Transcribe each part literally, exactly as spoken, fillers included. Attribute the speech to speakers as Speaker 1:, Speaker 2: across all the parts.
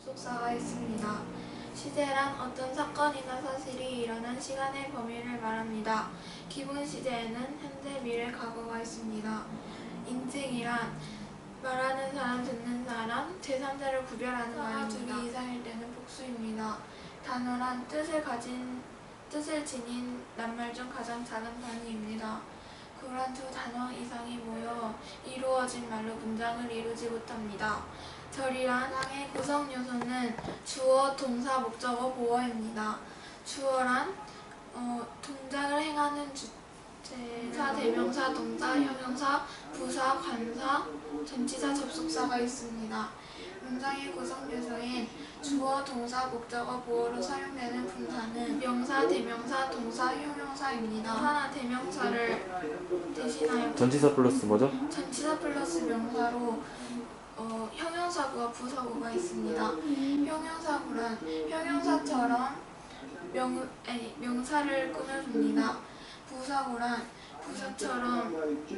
Speaker 1: 접속사가 있습니다. 시제란 어떤 사건이나 사실이 일어난 시간의 범위를 말합니다. 기본 시제에는 현재, 미래, 과거가 있습니다. 인칭이란 말하는 사람, 듣는 사람, 제삼자를 구별하는 말입니다. 둘이 이상일 때는 복수입니다. 단어란 뜻을 가진, 뜻을 지닌 낱말 중 가장 작은 단위입니다. 그러한 두 단어 이상이 모여 이루어진 말로 문장을 이루지 못합니다. 절이란 항의 구성 요소는 주어, 동사, 목적어, 보어입니다. 주어란 어, 동작을 행하는 주체사, 대명사, 동사, 형용사, 부사, 관사, 전치사, 접속사가 있습니다. 문장의 구성 요소인 주어, 동사, 목적어, 보어로 사용되는 분사는 명사, 대명사, 동사, 형용사입니다. 명사나 대명사를 대신하여
Speaker 2: 전치사 플러스 뭐죠?
Speaker 1: 전치사 플러스 명사로 어, 형용사구와 부사구가 있습니다. 형용사구란 형용사처럼 명, 아니, 명사를 꾸며줍니다. 부사구란 부사처럼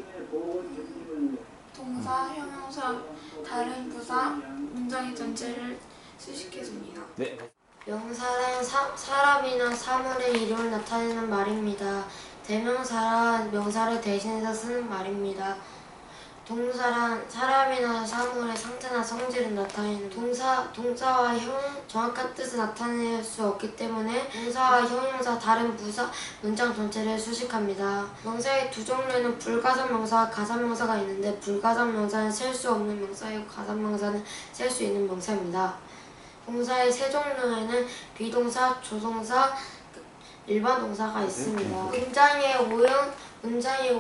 Speaker 1: 동사, 형용사, 다른 부사, 문장의 전체를 수식해줍니다.
Speaker 2: 네.
Speaker 3: 명사란 사, 사람이나 사물의 이름을 나타내는 말입니다. 대명사란 명사를 대신해서 쓰는 말입니다. 동사란 사람이나 사물의 상태나 성질을 나타내는 동사, 동사와 형, 정확한 뜻을 나타낼 수 없기 때문에 동사와 형용사, 다른 부사, 문장 전체를 수식합니다. 명사의 두 종류는 불가산 명사와 가산 명사가 있는데 불가산 명사는 셀 수 없는 명사이고 가산 명사는 셀 수 있는 명사입니다. 동사의 세 종류에는 비동사, 조동사, 일반 동사가 있습니다. 문장의 오형, 문장의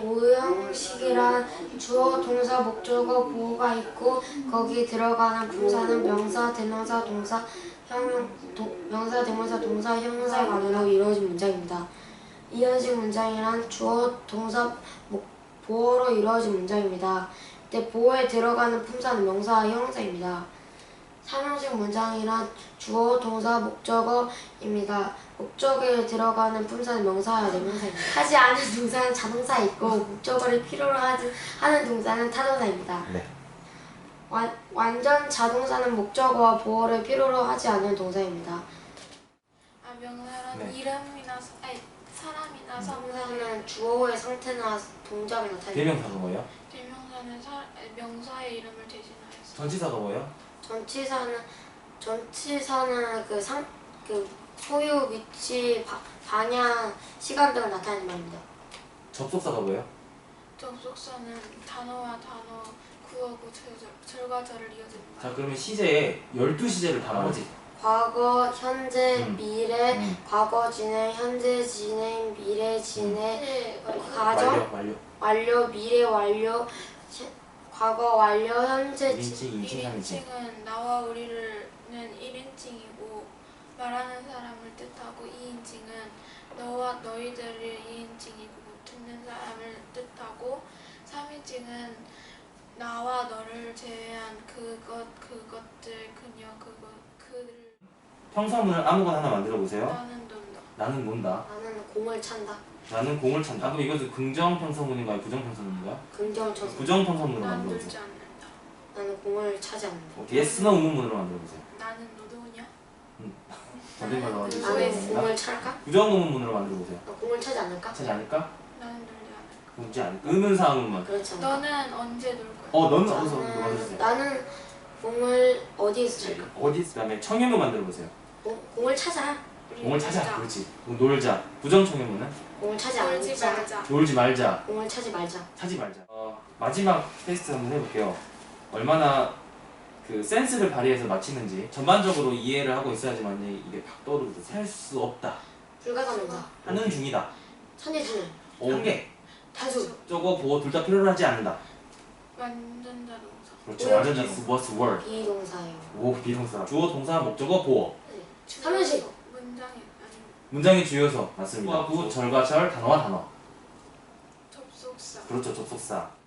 Speaker 3: 오형식이란 주어, 동사, 목적어, 보어가 있고 거기 들어가는 분사는 명사, 대명사, 동사, 형용, 도, 명사, 대명사, 동사, 형용사의 관계로 이루어진 문장입니다. 이형식 문장이란 주어, 동사, 목, 보어로 이루어진 문장입니다. 이때 보어에 들어가는 품사는 명사와 형용사입니다. 삼형식 문장이란 주어, 동사, 목적어입니다. 목적어에 들어가는 품사는 명사와 대명사입니다. 하지 않은 동사는 자동사 있고 목적어를 필요로 하지, 하는 동사는 타동사입니다.
Speaker 2: 네.
Speaker 3: 완, 완전 자동사는 목적어와 보어를 필요로 하지 않는 동사입니다.
Speaker 1: 아, 명사란
Speaker 2: 네.
Speaker 1: 이름이나 아니, 사람이나 사물의
Speaker 3: 명사는 주어의 상태나 동작을 나타냅니다.
Speaker 2: 대명사가 뭐예요?
Speaker 1: 대명사는 사, 아니, 명사의 이름을 대신하여서
Speaker 2: 전치사가 뭐예요?
Speaker 3: 전치사는 전치사는 그 상, 그 소유, 위치, 바, 방향, 시간 등을 나타내는 말입니다.
Speaker 2: 접속사가 뭐예요?
Speaker 1: 접속사는 단어와 단어, 구어구, 절, 절과 절을 이어줍니다.
Speaker 2: 자, 그러면 시제에 열두 시제를 다 말하지?
Speaker 3: 과거, 현재,
Speaker 2: 음.
Speaker 3: 미래,
Speaker 2: 음.
Speaker 3: 과거 진행, 현재 진행, 미래 진행, 과정,
Speaker 2: 완료, 완료.
Speaker 3: 완료, 미래 완료, 시, 과거 완료, 현재 진
Speaker 2: 일인칭, 이인칭, 삼인칭.
Speaker 1: 일인칭은 나와 우리는 일인칭이고 말하는 사람을 뜻하고 이인칭은 너와 너희들을 이인칭이고 듣는 사람을 뜻하고 삼인칭은 나와 너를 제외한 그것, 그것들, 그녀, 그것, 그들.
Speaker 2: 평서문을 아무거나 하나 만들어 보세요.
Speaker 1: 나는 논다.
Speaker 2: 나는 논다.
Speaker 3: 나는 공을 찬다.
Speaker 2: 나는 공을 찬다. 아, 그럼 이것은 긍정 평서문인가요? 부정 평서문인가요?
Speaker 3: 긍정 쳐서.
Speaker 2: 부정 평서문으로
Speaker 1: 난
Speaker 2: 만들어
Speaker 1: 놀지
Speaker 2: 보세요.
Speaker 1: 않는다.
Speaker 3: 나는 공을 차지 않는다.
Speaker 2: 어, yes, no 의문문으로 만들어 보세요.
Speaker 1: 나는 노도냐?
Speaker 2: 다른 말로 만들어
Speaker 3: 나는
Speaker 2: 보세요.
Speaker 3: 공을 찰까?
Speaker 2: 부정 의문문으로 만들어 보세요.
Speaker 3: 나 공을 차지 않을까?
Speaker 2: 차지 않을까?
Speaker 1: 나는 놀지 않을까?
Speaker 2: 그렇지 않을까? 의문사 의문문.
Speaker 3: 그렇지 않을까?
Speaker 1: 너는 언제 놀 거야?
Speaker 2: 어, 너는 어디서
Speaker 3: 나는,
Speaker 2: 만들어주세요?
Speaker 3: 나는 공을 어디에서 찰까?
Speaker 2: 어디? 그다음에 청해문 만들어 보세요.
Speaker 3: 공, 공을 찾아.
Speaker 1: 우리
Speaker 2: 공을 찾아.
Speaker 1: 놀자.
Speaker 2: 그렇지. 그럼 놀자. 부정 청해문은
Speaker 3: 공을 차지
Speaker 1: 놀지
Speaker 3: 않자.
Speaker 1: 말자.
Speaker 2: 놀지 말자.
Speaker 3: 공을 차지 말자.
Speaker 2: 차지 말자. 어, 마지막 테스트 한번 해볼게요. 얼마나 그 센스를 발휘해서 맞히는지. 전반적으로 이해를 하고 있어야지만 이게 팍 떠오르거든. 살 수 없다.
Speaker 3: 불가사문자.
Speaker 2: 하는 중이다.
Speaker 3: 천재지능.
Speaker 2: 오개.
Speaker 3: 다수.
Speaker 2: 저거 보고 둘 다 필요로 하지 않는다.
Speaker 1: 완전 자동사.
Speaker 2: 그렇죠.
Speaker 3: 오형
Speaker 2: 완전
Speaker 3: 비동.
Speaker 2: was word.
Speaker 3: 비동사예요.
Speaker 2: 오, 비동사. 주어, 동사, 목적어, 보어.
Speaker 3: 삼형식.
Speaker 1: 문장이 아니
Speaker 2: 문장의 주요서 맞습니다. 구, 절과 절, 단어와 단어.
Speaker 1: 접속사.
Speaker 2: 그렇죠. 접속사.